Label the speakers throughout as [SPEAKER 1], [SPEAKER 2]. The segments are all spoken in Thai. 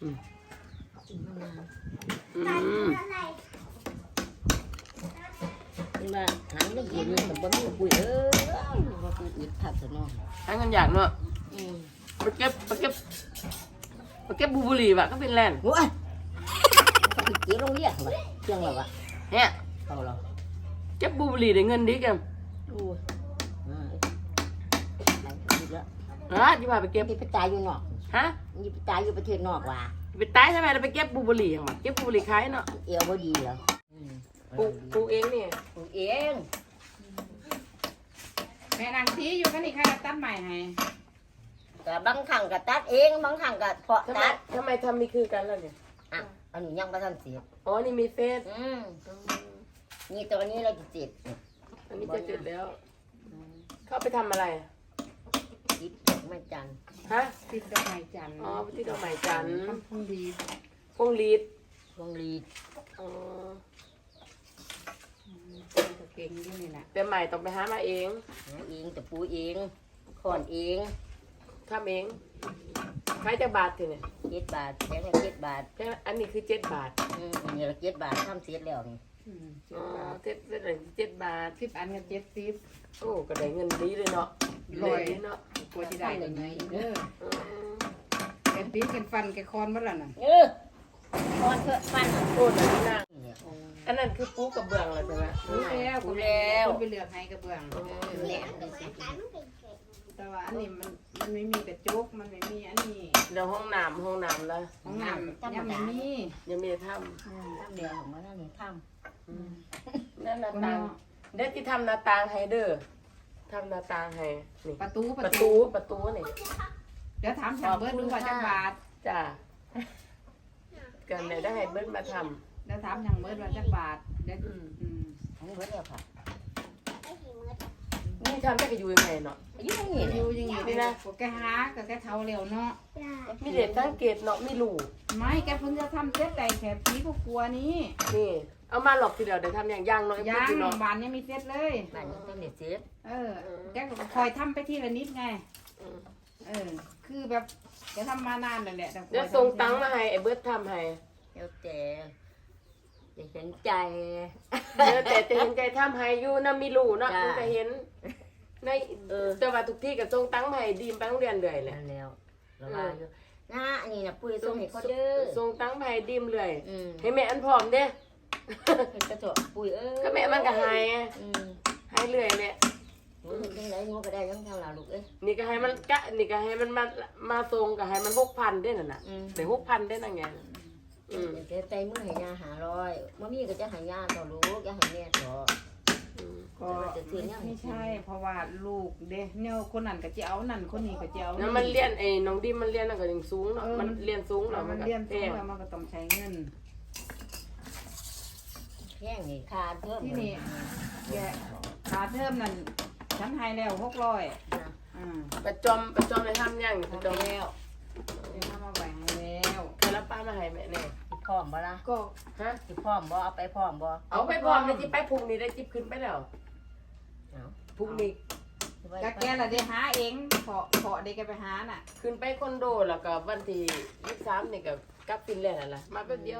[SPEAKER 1] อืม
[SPEAKER 2] เป็นว่าหางไม่เย็นมันบ่มีปุ๋ยว่าปุ๋ยอึดผักซะเนาะ
[SPEAKER 1] หาเงินอยากเนาะไปเก็บบูบุรีว่ะก็เป็นแลนด์
[SPEAKER 2] โอ้ยก็ไปเกี่ยวโรงเรียนว่ะเที่ยงแล้วว่ะ
[SPEAKER 1] เนี่ย
[SPEAKER 2] เอาเหรอ
[SPEAKER 1] เก็บบูบุรีได้เงินดีกัน
[SPEAKER 2] โอ้ยอีกแล้ว
[SPEAKER 1] ที่พาไปเก็บ
[SPEAKER 2] ไปตายอยู่นอก
[SPEAKER 1] ฮะ
[SPEAKER 2] นี่ไปตายอยู่ประเทศนอกว่ะ
[SPEAKER 1] ไปตายใช่ไหมเราไปเก็บบูบุรีอย่างวะเก็บบูบุรีขายเนาะ
[SPEAKER 2] เอวบ่ดีเหรอ
[SPEAKER 1] ปลูกเองเนี่ย
[SPEAKER 2] ปลูกเอง
[SPEAKER 3] แม่นางทีอยู่กันนี่ค่ะตัดใหม่ให้
[SPEAKER 2] ก็บางครั้งก็ตัดเองบางครั้งก็เพาะ
[SPEAKER 1] ทำไม
[SPEAKER 2] ตัด
[SPEAKER 1] ทำมีคือกันแล้วเนี่ย
[SPEAKER 2] อ่ะอันนี้ยังบ่ทันเสีย
[SPEAKER 1] อ๋อนี่มีเฟซ
[SPEAKER 2] นี่ตัวนี้เราจะติด
[SPEAKER 1] อันนี้จะเสร็จแล้ว เข้าไปทำอะไร
[SPEAKER 2] ติดไม่จัน
[SPEAKER 1] ฮะ
[SPEAKER 3] ติดดอกไม้จันทร์
[SPEAKER 1] อ๋อที่ดอกไม้จันทร์
[SPEAKER 3] ทำพุ่งดี
[SPEAKER 1] พวงลีด
[SPEAKER 2] พวงรีด
[SPEAKER 1] อ๋อ
[SPEAKER 3] ก็เก่งอยู่นี่แหละ
[SPEAKER 1] แต่ใหม่ต้องไปหามาเอง
[SPEAKER 2] หาเองแต่ปูเองขอนเอง
[SPEAKER 1] ทำเองขายจากบาททีเนี่ย
[SPEAKER 2] 7 บาทแค่ไหน7 บาท
[SPEAKER 1] แค่อันนี้คือ7 บาท
[SPEAKER 2] อันนี้ละ7 บาททำเสร็จแล้วนี่
[SPEAKER 1] อ๋อเจ็ด7 บาท
[SPEAKER 3] 10 อันกับ70
[SPEAKER 1] โอ้ก็ได้เงินดีเลยเนาะ
[SPEAKER 3] ร้อย
[SPEAKER 1] ดีเนาะ
[SPEAKER 3] กว่าที่ได้กันไหมเด้อ
[SPEAKER 1] อืม
[SPEAKER 3] แกตีนกันฟันแกคอนบ่ล่ะน่ะ
[SPEAKER 2] คอนเถอะฟัน
[SPEAKER 1] โอ้แต่นี่นางอันนั้นคือปูกระเบื้องเลยใช่ไหม
[SPEAKER 3] รู้แล้ว
[SPEAKER 2] ปูแล้ว
[SPEAKER 3] คนไปเลือกให้กระเบื้อง
[SPEAKER 2] แหลมเลยสิ
[SPEAKER 3] แต่ว่าอันนี้มันไม่มีกระจกมันไม่มีอันนี้
[SPEAKER 1] เดี๋ยวห้องน้ำแล้ว
[SPEAKER 3] ห้องน้ำยังไม่มี
[SPEAKER 1] ยังมีท
[SPEAKER 2] ทำเดียวของมันนี่ท
[SPEAKER 1] ำนั่นหน้าต่างเด็กที่ทำหน้าต่างให้เด้อทำหน้าต่างให้นี่
[SPEAKER 3] ประตู
[SPEAKER 1] ประตูนี่
[SPEAKER 3] เดี๋ยวถามทางเบิร์ดดูว่าจะบาท
[SPEAKER 1] จ้าเกินเลยได้ให้เบิ้ลมาท
[SPEAKER 3] เดี๋ยวถามทางเบิร์ดว่าจะบาทเดี๋ยว
[SPEAKER 2] ำอันนี้เบิดแล้วค่ะ
[SPEAKER 1] ำนี่ทำได้ก็อยู่ยังไงเนาะ
[SPEAKER 2] อายุเท่านี้
[SPEAKER 3] อ
[SPEAKER 2] เลย
[SPEAKER 3] ยู่อยังไงนี่นะแกหากับแกเท่าเร็วเนาะ
[SPEAKER 1] มีเด็กสังเกตเนาะมีลูก
[SPEAKER 3] ไม่แกเพิ่งจะทำเซ็ตแต่แค่ปีก็กลัวนี้
[SPEAKER 1] นี่ เอามาหลอกทีเดียวเดี๋ยวทำอย่างย่างเนาะ
[SPEAKER 3] ย่าง
[SPEAKER 1] พูดเนาะ
[SPEAKER 3] บานยังมีเซ็ตเลย
[SPEAKER 2] บ้านนี้ต้องเด็ดเสร็จ
[SPEAKER 3] แกก็คอยทำไปทีละนิดไง
[SPEAKER 1] อืม
[SPEAKER 3] คือแบบแกทำมานานแล้วแหละแต่
[SPEAKER 1] เดี๋ยวส่งตังค์มาให้ไอ้เบิร์ดทำให้
[SPEAKER 2] แล้วแต่จะเห็นใจ
[SPEAKER 1] เดี๋ยวแต่จะเห็นใจทำให้อยู่นะมีลูกเนาะ
[SPEAKER 2] จ้า
[SPEAKER 1] มันก็เห็นในแต่ว่าทุกที่ก็ส่งตังค์มาให้ดีมไปโรงเรียนเลยแหละ
[SPEAKER 2] นั่นแล้วเราว่าอยู่นะอันนี้นะปุ้ยส่งให้เขาเด้อ
[SPEAKER 1] ส่งตังค์มาให้ดีมเลย
[SPEAKER 2] อืม
[SPEAKER 1] ให้แม่อันพร้อมเด้
[SPEAKER 2] เห็นกระจกปุ้ย
[SPEAKER 1] ก็แม่มันก็ให้
[SPEAKER 2] อืม
[SPEAKER 1] ให้เรื่อยแหละ
[SPEAKER 2] หนูเห็นจังไรงูก็ได้ยังเท่าเราลูกเอ้ย
[SPEAKER 1] นี่ก็ให้มันนี่ก็ให้มันมาส่งก็ให้มัน6,000ได้น่ะน่ะ
[SPEAKER 2] อืม
[SPEAKER 1] ได้6,000ได้นั่นไงอืม
[SPEAKER 2] เดี๋ยวใจมือให้ยา500มื่อมีก็จะให้ยาต่อลูกจะให้แม่ต่อ
[SPEAKER 3] ก็ไม่ใช่ เพราะว่าลูกเด้เนี่ยคนนั้นก็จะเอานั่นคนนี้ก็จะเอา
[SPEAKER 1] แล้วมันเรียนไอ้น้องดิมมันเรียนนั่นก็ยังสูงเนาะมันเรียนสูง
[SPEAKER 3] แล้
[SPEAKER 1] เนาะ
[SPEAKER 3] ว
[SPEAKER 1] มั
[SPEAKER 3] มัน น
[SPEAKER 1] ก็
[SPEAKER 3] เรียน
[SPEAKER 1] แพ
[SPEAKER 3] สูง
[SPEAKER 1] ง
[SPEAKER 3] แล้วมันก็ต้องใช้เงิน
[SPEAKER 2] แย่งนี่ขาดเพิ่ม
[SPEAKER 3] ที่นี่แกขาเทอมนั่นฉันให้แล้ว600
[SPEAKER 1] ประจอมได้ทำยังประจอม
[SPEAKER 2] แล้ว
[SPEAKER 3] เดี๋ยวทำมาไว้ให้แล้ว
[SPEAKER 1] ใครรับป้ามาให้แม่แน่
[SPEAKER 2] สิพร้อมบ่ล่ะ
[SPEAKER 3] ก็
[SPEAKER 1] ฮะ
[SPEAKER 2] สิพร้อมบ่เอาไปพร้อมบ่
[SPEAKER 1] เอาไปพร้อมเลยที่ไปพรุ่งนี้ได้จิบขึ้นไปแล้ว
[SPEAKER 2] เอา
[SPEAKER 1] พรุ่งนี้
[SPEAKER 3] กแกละได้หาเองขอได้แกไปหาน่ะ
[SPEAKER 1] ขึ้นไปคอนโดแล้วก็วันที่23นี่ก็กลับฟินแลนด์นั่นล่ะมาแป๊บเดียว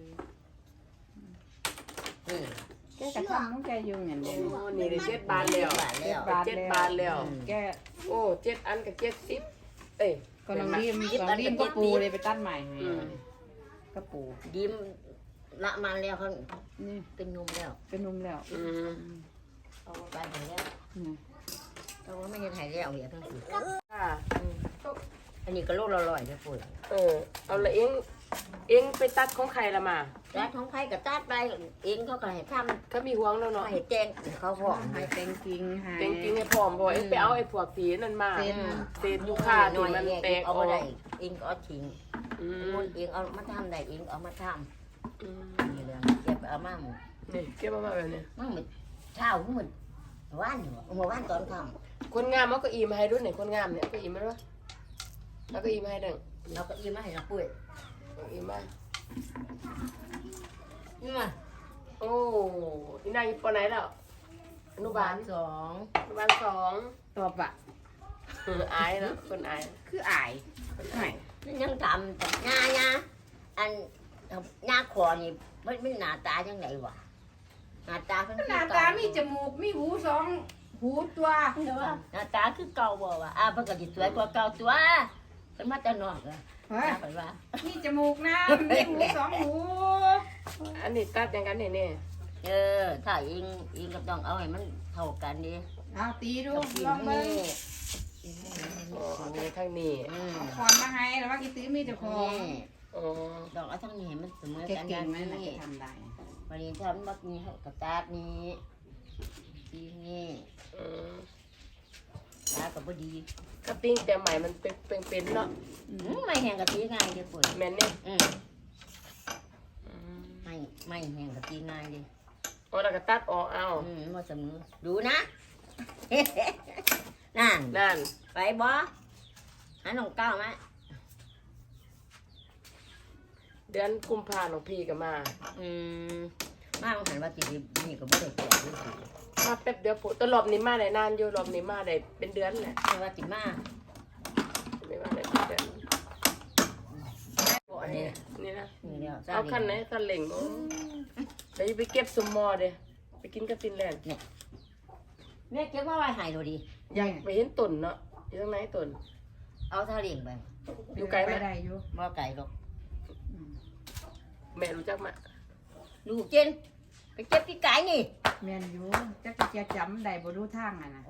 [SPEAKER 2] นี่
[SPEAKER 3] แกกระทำของแกอยู่อย่างเดียว
[SPEAKER 1] โอ้นี่ได้7 บาทแล้ว
[SPEAKER 2] บาทแล้ว
[SPEAKER 1] 7 บาทแล้ว
[SPEAKER 3] แก
[SPEAKER 1] โอ้7 อันกับ70เอ้ย
[SPEAKER 3] ก็ลองรีมก็ปูเลยไปตัดใหม่ให้ก็ปู
[SPEAKER 2] ดิมละมันแล้วเขา
[SPEAKER 3] นี่
[SPEAKER 2] เป็นนมแล้ว
[SPEAKER 3] เป็นนุ่มแล้ว
[SPEAKER 1] อืม
[SPEAKER 2] เอาไปถึงแล้วเขาว่าไม่ได้ถ่ายแล้วเดี๋ยวทั้งสี่
[SPEAKER 1] ค่ะ
[SPEAKER 2] อันนี้ก็โลละ100นะปุ๋ย
[SPEAKER 1] เอาละเองไปตัดของใครละมา
[SPEAKER 2] แล้วท้องไผ่ก็ตัดไปเองเขาก็ให้ท
[SPEAKER 1] ก็มีห่วงแล้ว
[SPEAKER 2] ำ
[SPEAKER 1] เนาะ
[SPEAKER 2] ให้แจ้งเขาพร้อม
[SPEAKER 3] ให้เต็งกิงให้
[SPEAKER 1] จริงๆให้พร้อมบ่เองไปเอาไอ้พวกสีนั่นมา
[SPEAKER 3] เส้น
[SPEAKER 1] เศษยูคาที่มันแตกอ
[SPEAKER 2] เอา
[SPEAKER 1] อก
[SPEAKER 2] มาได้เองก็เอาทิ้ง
[SPEAKER 1] อืม
[SPEAKER 2] มันเองเอามาทำได้เองเอามาท
[SPEAKER 1] อืม
[SPEAKER 2] ำนี่เลยเก็บเอามาหมด
[SPEAKER 1] นี่เก็บมาแบบนี้
[SPEAKER 2] มันเหมือนเช้าเหมือนว่านอยู่ว่านตอนค่
[SPEAKER 1] คนงามเอาเก็อีมาให้ด้วยหน่อยคนงามเนี่ยเอาเก็อีมาด้วยแล้วก็อีมาให้ดัง
[SPEAKER 2] ำเราก็อิ่มมาให้เราปุ้ย
[SPEAKER 1] เอาอีมา
[SPEAKER 2] นี่มา
[SPEAKER 1] โอ้อีนายอยู่ปอไหนแล้วอนุบาล
[SPEAKER 2] 2
[SPEAKER 1] อนุบาล2
[SPEAKER 3] ตอบอะ
[SPEAKER 1] อายเนาะคนอาย
[SPEAKER 3] คืออายไม่
[SPEAKER 2] ยังทำแต่งาคอนี่ไม่หน้าตาจังไงวะหน้าตาเพิ่น
[SPEAKER 3] หน้าตามีจมูกมีหูสองหูตัว
[SPEAKER 2] หน้าตาคือเก่าบ่วะเพิ่นก็สิสวยกว่าเก่าตัวเพิ่นมาแต่นอกเลย
[SPEAKER 3] เฮ้ย
[SPEAKER 2] เพิ่นว่า
[SPEAKER 3] มีจมูกนะมีหูสองหู
[SPEAKER 1] อันนี้ตัดอย่างกันนี่
[SPEAKER 2] ถ้าเองก็ต้องเอาให้มันเท่ากันดิ
[SPEAKER 3] เอาตีดูลองเบิ่ง
[SPEAKER 1] อ๋ออันนี้ทางนี้
[SPEAKER 3] เอาคอนมาให้แล้วว่ากี่ตื้อมีเจ้าของ
[SPEAKER 1] อ๋อ
[SPEAKER 2] ดอกเอาทั้งนี้ให้มันเสมอ
[SPEAKER 3] เก่
[SPEAKER 2] กัน
[SPEAKER 3] งๆไหมน่ะ
[SPEAKER 2] นี่
[SPEAKER 3] จะทำได้
[SPEAKER 2] วันนี้ทำบักนี้กระตาดนี้ทีนี่
[SPEAKER 1] อืม
[SPEAKER 2] ตาก็บ่ดี
[SPEAKER 1] กระติ้งแต่ใหม่มันเป็นเนาะ
[SPEAKER 2] ไม่แห้งกะทิง่ายเด้อปุ่น
[SPEAKER 1] แม่นเนี่ย
[SPEAKER 2] ไม่แห้งกะทิง่ายเด้อ
[SPEAKER 1] โอ้แล้วก็ตัดออกเอา
[SPEAKER 2] บ่เสมอดูนะ นั่น
[SPEAKER 1] นั่น
[SPEAKER 2] ไปบ่หาน้องก้าวมา
[SPEAKER 1] เดือนกุมภาพันธ์ของพี่ก็มา
[SPEAKER 2] มาหันว่าสินี่ก็บ่ได้แก่ด้วยสิ
[SPEAKER 1] มาแป๊บเดียวปุ๊ตลอบนี้มาได้นานอยู่รอบนี้มาได้เป็นเดือนแหละ
[SPEAKER 2] ไม่ว่าสิมา
[SPEAKER 1] ไม่ว่าได้เป็นเดือนโอ้ยนี่นะ
[SPEAKER 2] นี่แล้ว
[SPEAKER 1] เอาคันไหนคันเหล่งโอ้เดี๋ยวจะไปเก็บสมมอเด้ไปกินกับฟินแลนด์
[SPEAKER 2] แม่เก็บมาไว้ให้ดูดิ
[SPEAKER 1] อยากไปเห็นตุ่นเนาะอยู่ตรงไหนตุ่น
[SPEAKER 2] เอาทะเลงไป
[SPEAKER 1] อยู่ไกลไหม
[SPEAKER 3] ได้อยู่
[SPEAKER 2] บ่ไก่หรอก
[SPEAKER 1] แม่รู้จักไหม
[SPEAKER 2] ลูกเจนไปเก็บที่ไก่นี่
[SPEAKER 3] แม่นอยู่จักจะจำได้บ่รู้ทางอ่ะนะ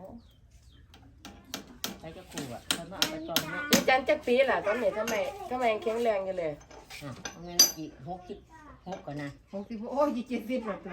[SPEAKER 2] ไปจะขู่อ่ะเขามาเอาไปจองนะ
[SPEAKER 1] นี่จันจักปีล่ะตอนนี้ทำไมยังแข็งแรงอยู่เลย
[SPEAKER 2] เอาเงินกี่6ก่อนนะ
[SPEAKER 3] 60โอ้ย70แล้วตัว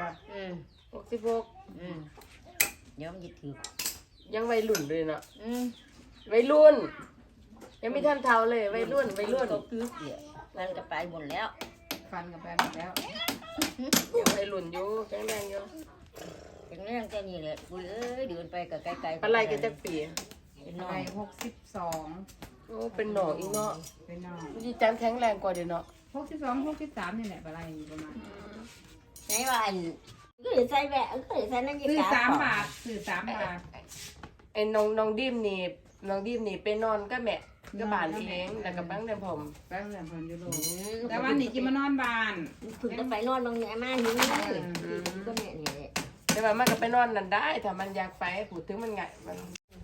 [SPEAKER 1] 66
[SPEAKER 2] เดี๋ยวมันจะถือ
[SPEAKER 1] ยังวัยรุ่นเลยเนาะ
[SPEAKER 2] อืม
[SPEAKER 1] วัยรุ่น ยังไม่ทันเท่าเลยวัยรุ่น
[SPEAKER 2] ก็คือเกี่ยมันก็ไปหมดแล้ว
[SPEAKER 3] ฟันกันไปหมดแล้ว
[SPEAKER 1] ยังวัยรุ่นอยู่แข็งแรงอยู่
[SPEAKER 2] ถึงเรื่องแค่นี้แหละกูเอ้ยเดินไปกับไกลๆ
[SPEAKER 1] อะไรกันจักปี
[SPEAKER 2] เป็นน้อ
[SPEAKER 3] ไป
[SPEAKER 2] ย
[SPEAKER 3] 62
[SPEAKER 1] โอ้เป็นหนองอีกเนาะ
[SPEAKER 3] เป็นน้อง
[SPEAKER 1] นี่จันแข็งแรงกว่าเดี๋ยวเนาะ
[SPEAKER 3] 62 63นี่แหละอะไรอยู่ประมาณ
[SPEAKER 2] ไหนว่าอันก็เลยใส่แหวะก็เลยใส่นั่นยี่
[SPEAKER 3] ซื้อ
[SPEAKER 2] กา
[SPEAKER 3] 3 บาทซื้อ3 บาท
[SPEAKER 1] ไอ้น้องดิมนี่ไปนอนก็แม่ก็บ้านเองแล้วก็บ้างเดิมผม
[SPEAKER 3] ไปเรื่องเพิ่นอยู่โลกแต่วันนี้จิมานอนบ้าน
[SPEAKER 2] ถึงจะไปนอนบางแง่มานี่ก็แม่นี่แหละ
[SPEAKER 1] แต่ว่ามันก็ไปนอนนั่นได้ถ้ามันอยากไปพูดถึงมันไงมัน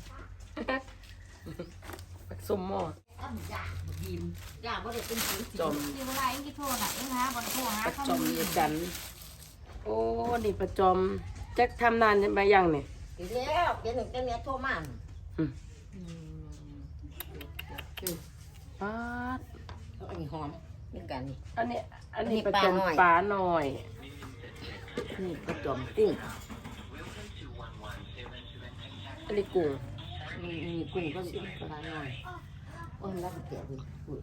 [SPEAKER 1] สมหมอ
[SPEAKER 2] ยิ้มย่าบ่ได้เป็นผี
[SPEAKER 1] จม
[SPEAKER 3] ที่เวลาเอ็งกี่โทรน่ะเอ็งหาบ่โทรหา
[SPEAKER 1] ประ
[SPEAKER 3] เขา
[SPEAKER 1] จอมนี่จันโอ้นี่ประจอมแจ็คทำนานมายังเนี่ย
[SPEAKER 2] อีกแล้วเดี๋ยวหนึ่งจะเมียโทรมา
[SPEAKER 1] ป๊าด
[SPEAKER 2] อันนี้หอมเหมือนกันนี่
[SPEAKER 1] อันนี้ประ
[SPEAKER 2] ปลา
[SPEAKER 1] จอม
[SPEAKER 2] หน่อย
[SPEAKER 1] ปลาหน่อย
[SPEAKER 2] นี่กระจอมกุ้ง
[SPEAKER 1] อันนี้กุ้ง
[SPEAKER 2] นี่กุ้งก็ปลาหน่อยโอ้ยรักเกียดดิ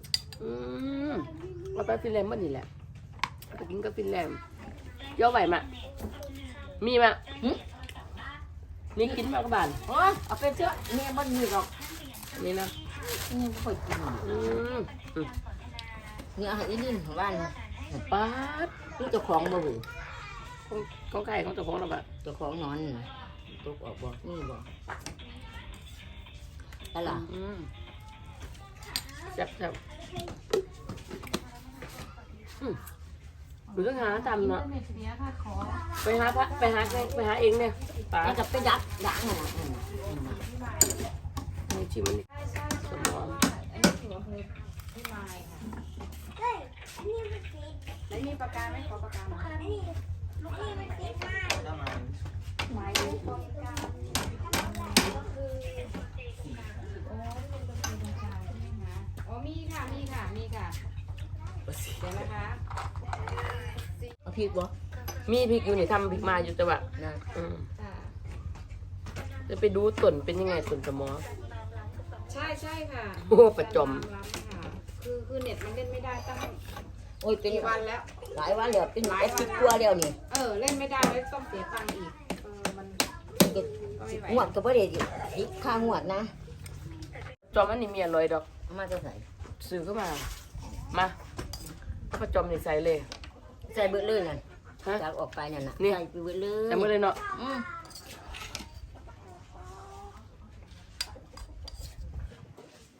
[SPEAKER 1] เอาไปฟินแลนด์เมื่อนี่แหละเอาไปกินกับฟินแลนด์ย่อไหวมะมีมะนี่กินมากบ้าน
[SPEAKER 2] โอ้ยเอาไปเถอะแม่บ่มีหรอก
[SPEAKER 1] นี่นะ
[SPEAKER 2] นี่บ่ค่อยกิน นี่เอาให้อีลินของบ้าน
[SPEAKER 1] ป๊าด
[SPEAKER 2] นี่เจ้าของบ่เว้ย
[SPEAKER 1] ของไก่ของเจ้าของเราแบบ
[SPEAKER 2] เจ้าของนอนตกออกบ่นี่บ่อะไรล่ะ
[SPEAKER 1] แซ่บหรือต้องหาทำเนาะไปหาพระไปหาเองเนี่ยป๋า
[SPEAKER 2] แล้วก็ไปดักด่างน่ะ
[SPEAKER 1] นี่ชิมมันสมอง
[SPEAKER 3] แล้วมีปากกาไหมขอปากกาหน่อยอ๋อมีค่ะเดี๋ยวนะคะ
[SPEAKER 2] เอาพริกบ่
[SPEAKER 1] มีพริกอยู่นี่ทำพริกมาอยู่แต่ว่า
[SPEAKER 2] นะ
[SPEAKER 1] จะไปดูต้นเป็นยังไงต้นสมอ
[SPEAKER 3] ใช่ค่ะ
[SPEAKER 1] โอ้ประจอม
[SPEAKER 3] คือเน็ตมันเล่นไม่ได้ตั้ง
[SPEAKER 2] โอ้ยเป็น
[SPEAKER 3] กี่วันแล้ว
[SPEAKER 2] หลายวันแล้วเป็นหลายสิบกว่าแล้วนี่
[SPEAKER 3] เล่นไม่ได้แล้วต้องเสียตังค์อีกมันก็ไม่ไหว
[SPEAKER 2] งวดก็บ่ได้พริกค่างวดนะ
[SPEAKER 1] จอมอันนี้มีอร่อยดอก
[SPEAKER 2] เอามาจะใส่
[SPEAKER 1] ซื้อเข้ามาประจอมนี่ใส่เลย
[SPEAKER 2] ใส่เบิดเลยนั่น
[SPEAKER 1] ฮะ
[SPEAKER 2] จากออกไปนั่นน่ะ
[SPEAKER 1] นี่
[SPEAKER 2] ใส่ไปเบิดเลย
[SPEAKER 1] ใส่หมดเลยเนาะ
[SPEAKER 2] อืม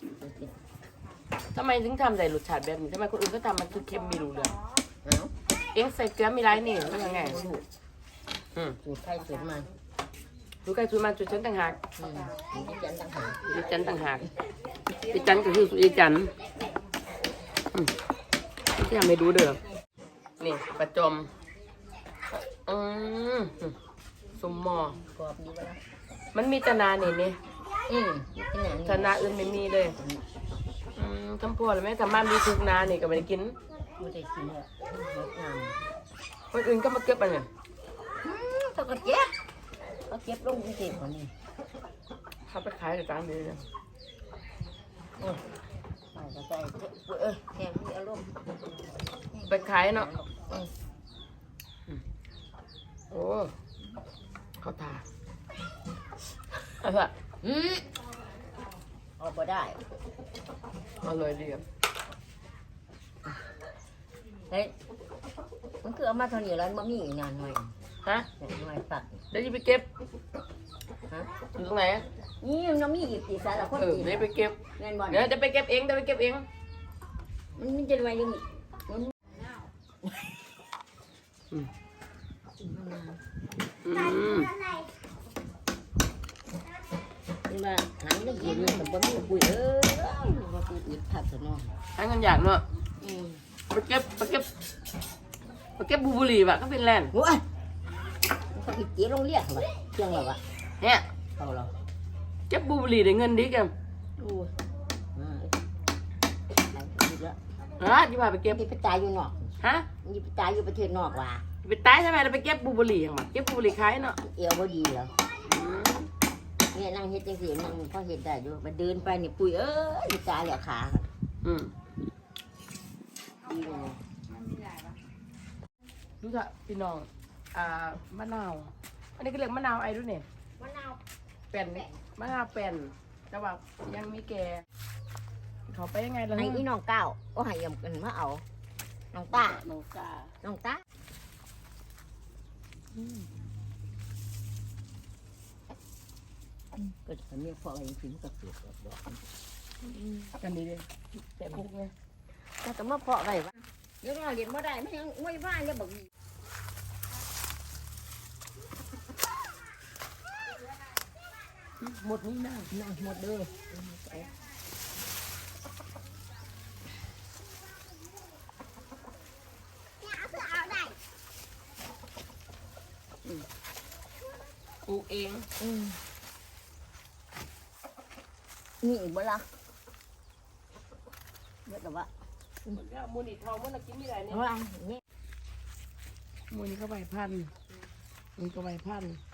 [SPEAKER 1] ทำไมถึงทำใส่รสชาติแบบนี้ทำไมคนอื่นก็ทำมันคือเค็มไม่รู้เรื่อง
[SPEAKER 2] เอา
[SPEAKER 1] เอ็งใส่เกลือมีไรนี่มันยังไง
[SPEAKER 2] สูตร สูตรไทยสูตรมัน
[SPEAKER 1] ดูใครสูตรมันจุดฉันต่างหาก
[SPEAKER 2] นี่จันต่างหาก
[SPEAKER 1] ดิฉันต่างหากดิฉันก็คือสุริจันทร์ที่ทำให้ดูเด้อนี่ประจมสมหมอก
[SPEAKER 2] รอบดีวะล่ะ
[SPEAKER 1] มันมีแตนานี่นี่
[SPEAKER 2] เป็นอย่างนี้
[SPEAKER 1] ชนะอื่นไม่มีเลยคำพูดอะไรไหมทำบ้านมีทุกนานี่ก็ไม่ได้กิน
[SPEAKER 2] ไม่ได้กินเลยงดงาม
[SPEAKER 1] คนอื่นก็มาเก็บอันเนี่ย
[SPEAKER 2] เขาก็เก็บเขาเก็บลงกรุงเทพคนนี้
[SPEAKER 1] เขาไปขายกับจานดีเลย
[SPEAKER 2] โอ้ยไปก็ใจแค่มีอารมณ์
[SPEAKER 1] ไปขายเนาะโอ้เขาทาอะไร
[SPEAKER 2] เอาไปได้
[SPEAKER 1] อร่อยดีอ่ะ
[SPEAKER 2] เฮ้ยมันคือเอามาเท่านี้แล้วมันมีอีกนานหน่อย
[SPEAKER 1] ฮะ
[SPEAKER 2] หน่อยตัด
[SPEAKER 1] เดี๋ยวจะไปเก็บ
[SPEAKER 2] ฮะ
[SPEAKER 1] อยู่ตรงไหน
[SPEAKER 2] นี่มันมีอีกตีสารละคน
[SPEAKER 1] เดี๋
[SPEAKER 2] กิน
[SPEAKER 1] ยวไปเก็บ
[SPEAKER 2] เงินบอล
[SPEAKER 1] เดี๋ยวจะไปเก็บเองเดี๋ยวไปเก็บเอง
[SPEAKER 2] มันจะไว้ยังมัน นี่ว่าหางได้ยินแต่บ่มีปุ๋ยว่าปุ๋ยอึดผักซะเนาะ
[SPEAKER 1] ให้เงินอยากเนาะไปเก็บบูบุหรี่ว่ะก็เป็นแลนด์
[SPEAKER 2] โอ้ยเขาอีกเจี๊ยโรงเรียนเหรอเที่ยงแล้ววะ
[SPEAKER 1] เนี่ย
[SPEAKER 2] เอาเหรอ
[SPEAKER 1] เก็บบูบุหรี่ได้เงินดีกัน
[SPEAKER 2] โอ้ยอีกแล้ว
[SPEAKER 1] ที่พาไปเก็บ
[SPEAKER 2] นี่ไปตายอยู่นอก
[SPEAKER 1] ฮะ
[SPEAKER 2] นี่ไปตายอยู่ประเทศนอกว่ะ
[SPEAKER 1] ไปตายใช่ไหมเราไปเก็บบูบุหรี่อย่างมาเก็บบูบุหรี่ขายเนาะ
[SPEAKER 2] เอวบ่ดีเหรอเนี่ยนั่งเฮ็ดจังซี่นั่งพอเฮ็ดได้อยู่มาเดินไปนี่ปุ๋ยนี่ตายแล้วขาดีเลย
[SPEAKER 1] ดูเถอะพี่น้องมะนาวอันนี้ก็เรียกมะนาวไอ้ด้วยเนี่ย
[SPEAKER 2] มะนาว
[SPEAKER 1] เป็นมะนาวเป็นแต่ว่ายังมีแกเขาไปยังไงล่ะ
[SPEAKER 2] ให้อีน้องก้าวก็ให้ยำกันมาเอาน้องต้า
[SPEAKER 1] น้องกา
[SPEAKER 2] น้องต้าก็จะมีพออะไรกินกับเปลือกดอก
[SPEAKER 1] กันดีเลยแต่พวกเนี้ย
[SPEAKER 2] ถ้าจะมาเพาะอะไรวะเดี๋ยวเราเรียนมาได้ไม่ยังไม่บ้านจะบอก
[SPEAKER 1] หมดนี้นะ
[SPEAKER 2] นั่งหมดเลย
[SPEAKER 1] ปลูกเอง
[SPEAKER 2] นี่อีกบ่ละเมื่อแต่ว่า
[SPEAKER 1] มูนี่ทองมันกินไม่ได้เนี่ย
[SPEAKER 2] ว่านี่
[SPEAKER 1] มูนี่ก็ใบพันธุ์มันก็ใบพันธุ์